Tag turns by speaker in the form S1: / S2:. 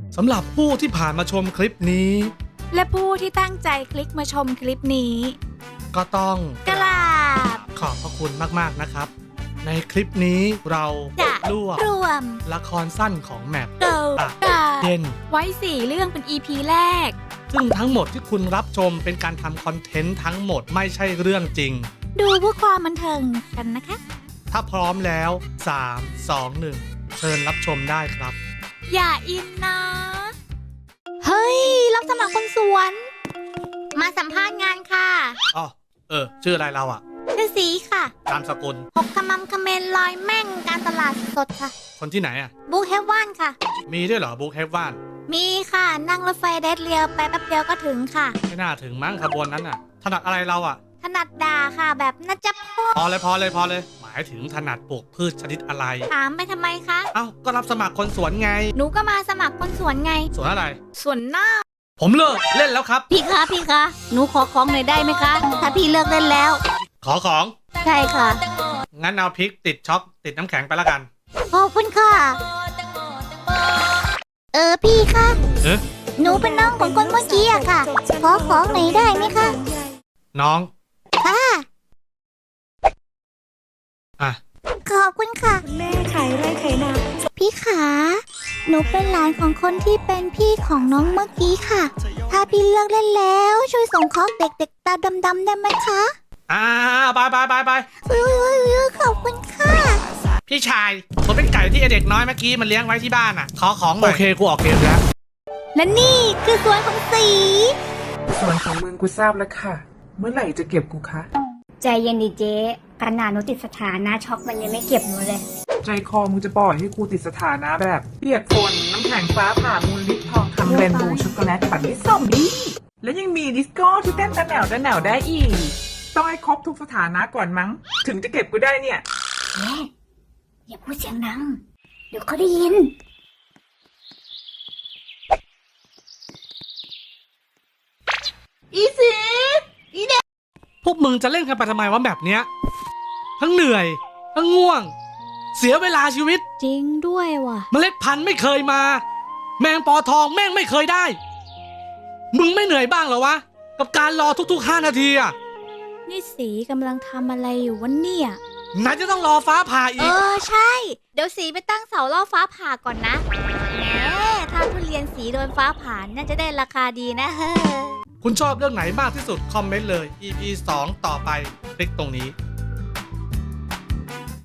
S1: สำหรับผู้ที่ผ่านมาชมคลิปนี้
S2: และผู้ที่ตั้งใจคลิกมาชมคลิปนี้
S1: ก็ต้อง
S2: กราบ
S1: ขอบพระคุณมากๆนะครับ ในคลิปนี้เรา
S2: จะ
S1: รวบ
S2: รวม
S1: ละครสั้นของแมป
S2: เกิลกา
S1: เด่น
S2: ไว้4 เรื่องเป็น EP แรก
S1: ซึ่งทั้งหมดที่คุณรับชมเป็นการทำคอนเทนต์ทั้งหมดไม่ใช่เรื่องจริง
S2: ดูเพื่อความบันเทิงกันนะคะ
S1: ถ้าพร้อมแล้ว 3 2 1 เชิญรับชมได้ครับ
S2: อย่าอินนะ เฮ้ย รับสมัครคนสวน มาสัมภาษณ์งานค่ะ
S1: อ๋อชื่ออะไรเราอะ
S2: ชื่อสีค่ะ
S1: นามสกุล
S2: หกขมำคเมนลอยแม่งการตลาดสดค่ะ
S1: คนที่ไหนอะ
S2: บูเฮฟวันค่ะ
S1: มีด้วยเหรอบุ๊กเฮฟว่าน
S2: มีค่ะ นั่งรถไฟเดดเรียวไปแป๊บเดียวก็ถึงค่ะ
S1: ไม่น่าถึงมั้งขบวนนั้นอะถนัดอะไรเราอะ
S2: ถนัดด่าค่ะแบบนะจ๊ะพ่อ
S1: พอเลย หมายถึงถนัดปลูกพืชชนิดอะไร
S2: ถามไปทำไมคะ
S1: เอ้าก็รับสมัครคนสวนไง
S2: หนูก็มาสมัครคนสวนไง
S1: สวนอะไร
S2: สวนหน้า
S1: ผมเลิกเล่นแล้วครับ
S2: พี่คะหนูขอของหน่อยได้ไหมคะ ถ้าพี่เลิกเล่นแล้ว
S1: ขอของ
S2: ใช่ค่ะ
S1: งั้นเอาพริกติดช็อกติดน้ำแข็งไปละกัน
S2: ขอบคุณค่ะ พี่คะ
S1: เอ๊ะ
S2: หนูเป็นน้องของคนเมื่อกี้อะค่ะ ขอของหน่อยได้ไหมคะ
S1: น้อง
S2: ค่ะ
S1: อ่ะ
S2: ขอบคุณค่ะ
S3: แม่ขายไร่ขายนา
S2: พี่ขา หนูเป็นหลานของคนที่เป็นพี่ของน้องเมื่อกี้ค่ะ ถ้าพี่เลิกเล่นแล้วช่วยส่งของเด็กๆตาดำๆได้ไหมคะ
S1: ไป
S2: ขอบคุณค่ะ
S1: พี่ชายผมเป็นไก่ที่ไอ้เด็กน้อยเมื่อกี้มันเลี้ยงไว้ที่บ้านอ่ะ ขอของหน่อยโอเคกูออกเกมแล้ว
S2: และนี่คือสวนของสี
S3: ส่วนของมึงกูทราบแล้วค่ะ เมื่อไหร่จะเก็บกูคะ
S4: ใจเย็นดิเจ๊ขนาดหนูติดสถานะช็อกมันยังไม่เก็บหนูเลย
S3: ใจคอมึงจะปล่อยให้กูติดสถานะแบบเปียกฝนน้ำแข็งฟ้าผ่ามูลลิปทองคำเรนโบว์ช็อกโกแลตปั่นด้วยส้มดีแล้วยังมีดิสโก้ที่เต้นตะแหนวได้อีก ต้องให้ครบทุกสถานะก่อนมั้ง ถึงจะเก็บกูได้เนี่ย
S4: แม่อย่าพูดเสียงดัง เดี๋ยวเขาได้ยิน
S1: พวกมึงจะเล่นกันไปทำไมวะแบบเนี้ย ทั้งเหนื่อย ทั้งง่วง เสียเวลาชีวิต
S2: จริงด้วยว่ะ
S1: เมล็ดพันธุ์ไม่เคยมา แมงปอทองแม่งไม่เคยได้ มึงไม่เหนื่อยบ้างเหรอวะ กับการรอทุกๆ5 นาทีอ่ะ
S2: นี่สีกำลังทำอะไรอยู่วะเนี่ย
S1: ไหนจะต้องรอฟ้าผ่าอีก
S2: ใช่ เดี๋ยวสีไปตั้งเสาล่อฟ้าผ่าก่อนนะแหมถ้าทุเรียนสีโดนฟ้าผ่าน่าจะได้ราคาดีนะเฮ้อ
S1: คุณชอบเรื่องไหนมากที่สุดคอมเมนต์เลย EP 2 ต่อไปคลิกตรงนี้